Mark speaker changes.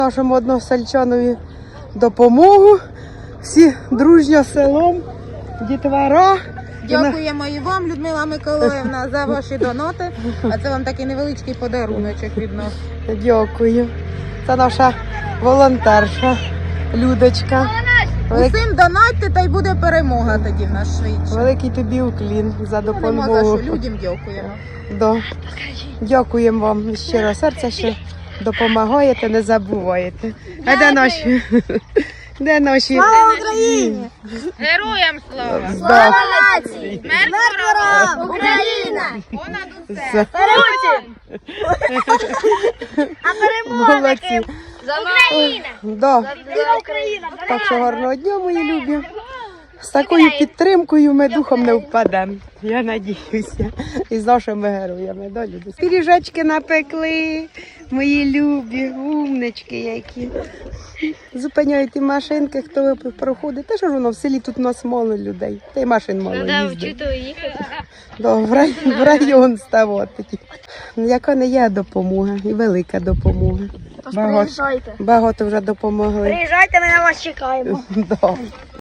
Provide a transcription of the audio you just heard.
Speaker 1: Нашому односельчанові допомогу. Всі дружньо селом, дітвора.
Speaker 2: Дякуємо і вам, Людмила Миколаївна, за ваші донати. А це вам такий невеличкий подаруночок від нас.
Speaker 1: Дякую. Це наша волонтерша Людочка.
Speaker 2: Усім донатьте, та й буде перемога тоді в нас швидше.
Speaker 1: Великий тобі уклін за
Speaker 2: Нема за
Speaker 1: допомогу.
Speaker 2: що, людям дякуємо.
Speaker 1: Да. Дякуємо вам з щирого серця, що допомагаєте, не забуваєте. А де наші? Де наші?
Speaker 3: Слава Україні!
Speaker 2: Героям слава!
Speaker 1: Да.
Speaker 3: нації!
Speaker 2: Смерть ворогам!
Speaker 3: Україна!
Speaker 2: Понад усе!
Speaker 3: А перемога
Speaker 1: Молодці.
Speaker 3: Україна!
Speaker 1: Да.
Speaker 3: Україна!
Speaker 1: Так що гарного дня, мої любі. З такою підтримкою ми духом не впадемо. Я надіюся. І з нашими героями. Да, люди? Пиріжечки напекли, мої любі, умнички які. Зупиняють і машинки, хто проходить. Та що ж воно, в селі тут у нас мало людей. Та й машин мало їздить. Да, в район ставати. Яка не є допомога, і велика допомога.
Speaker 3: Приїжджайте.
Speaker 1: Багато вже допомогли.
Speaker 3: Приїжджайте, ми на вас чекаємо.
Speaker 1: Да.